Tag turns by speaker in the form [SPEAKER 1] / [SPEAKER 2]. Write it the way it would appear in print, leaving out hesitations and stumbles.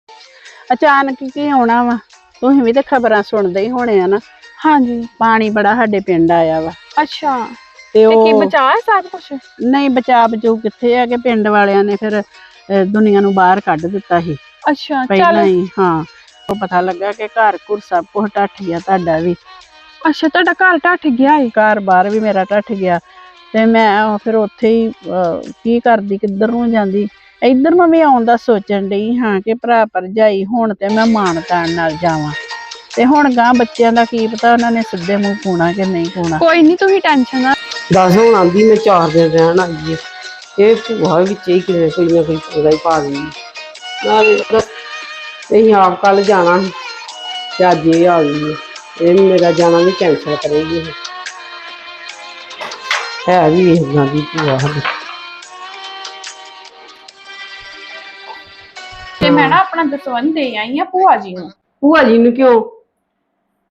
[SPEAKER 1] ਅਚਾਨਕ ਕੀ ਆਉਣਾ ਵਾ। ਤੁਸੀਂ ਵੀ ਤੇ ਖਬਰਾਂ ਸੁਣਦੇ ਹੀ ਹੋਣੇ ਆ ਨਾ।
[SPEAKER 2] ਹਾਂਜੀ।
[SPEAKER 1] ਪਾਣੀ ਬੜਾ ਸਾਡੇ ਪਿੰਡ ਆਇਆ ਵਾ
[SPEAKER 2] ਅੱਛਾ।
[SPEAKER 1] ਤੇ
[SPEAKER 2] ਤੇ ਕੀ
[SPEAKER 1] ਉਹ
[SPEAKER 2] ਬਚਾ ਹੈ ਸਭ ਕੁਛ?
[SPEAKER 1] ਨਹੀਂ, ਬਚਾ ਬਚੂ ਕਿੱਥੇ ਆ ਕਿ ਪਿੰਡ ਵਾਲਿਆਂ ਨੇ ਫਿਰ ਦੁਨੀਆ ਨੂੰ ਬਾਹਰ ਕੱਢ ਦਿੱਤਾ ਸੀ
[SPEAKER 2] ਅੱਛਾ
[SPEAKER 1] ਪਹਿਲਾਂ
[SPEAKER 2] ਚੱਲ।
[SPEAKER 1] ਹੀ। ਹਾਂ, ਉਹ ਪਤਾ ਲੱਗਾ ਕਿ ਘਰ ਘੁਰ ਸਭ ਕੁਛ ਢੱਠ ਗਿਆ, ਤੁਹਾਡਾ ਵੀ।
[SPEAKER 2] ਅੱਛਾ, ਤੁਹਾਡਾ ਘਰ ਢੱਠ ਗਿਆ ਏ?
[SPEAKER 1] ਘਰ ਬਾਹਰ ਵੀ ਮੇਰਾ ਢੱਠ ਗਿਆ ਤੇ ਮੈਂ ਫਿਰ ਉੱਥੇ ਹੀ ਕੀ ਕਰਦੀ, ਕਿੱਧਰ ਨੂੰ ਜਾਂਦੀ। ਇੱਧਰ ਨੂੰ ਵੀ ਆਉਣ ਦਾ ਸੋਚਣ ਡਈ ਹਾਂ ਕਿ ਭਰਾ ਭਰਜਾਈ ਹੁਣ ਤੇ ਮੈਂ ਮਾਣ ਤਾਣ ਨਾਲ ਜਾਵਾਂ, ਤੇ ਹੁਣ ਗਾਂ ਬੱਚਿਆਂ ਦਾ ਕੀ ਪਤਾ ਉਹਨਾਂ ਨੇ ਸਿੱਧੇ ਮੂੰਹ ਪਾਉਣਾ ਕਿ ਨਹੀਂ ਪਾਉਣਾ।
[SPEAKER 2] ਕੋਈ ਨਹੀਂ, ਤੁਸੀਂ ਟੈਨਸ਼ਨ ਨਾ।
[SPEAKER 3] ਦੱਸ ਹੁਣ ਆਂਦੀ ਮੈਂ 4 ਦਿਨ ਰਹਿਣ ਆਈਏ, ਇਹ ਭੂਆ ਵਿੱਚ ਹੀ ਕਿਤੇ ਕੋਈ ਨਾ ਕੋਈ ਪੰਗਾ ਹੀ ਪਾ ਦਿੰਦੀ। ਨਾਲੇ ਅਸੀਂ ਆਪ ਕੱਲ ਜਾਣਾ ਸੀ ਤੇ ਅੱਜ ਇਹ ਆ ਗਈ ਹੈ। ਇਹ ਮੇਰਾ ਜਾਣਾ ਵੀ ਕੈਂਸਲ ਕਰੇਗੀ ਇਹ। ਹੈ ਵੀ ਇਦਾਂ ਦੀ ਭੂਆ ਸਾਡੀ।
[SPEAKER 2] ਤੇ ਮੈਂ ਨਾ ਆਪਣਾ ਦਸਵੰਧ ਦੇ ਆਈ ਆ ਭੂਆ ਜੀ ਨੂੰ।
[SPEAKER 3] ਭੂਆ ਜੀ ਨੂੰ ਕਿਉਂ?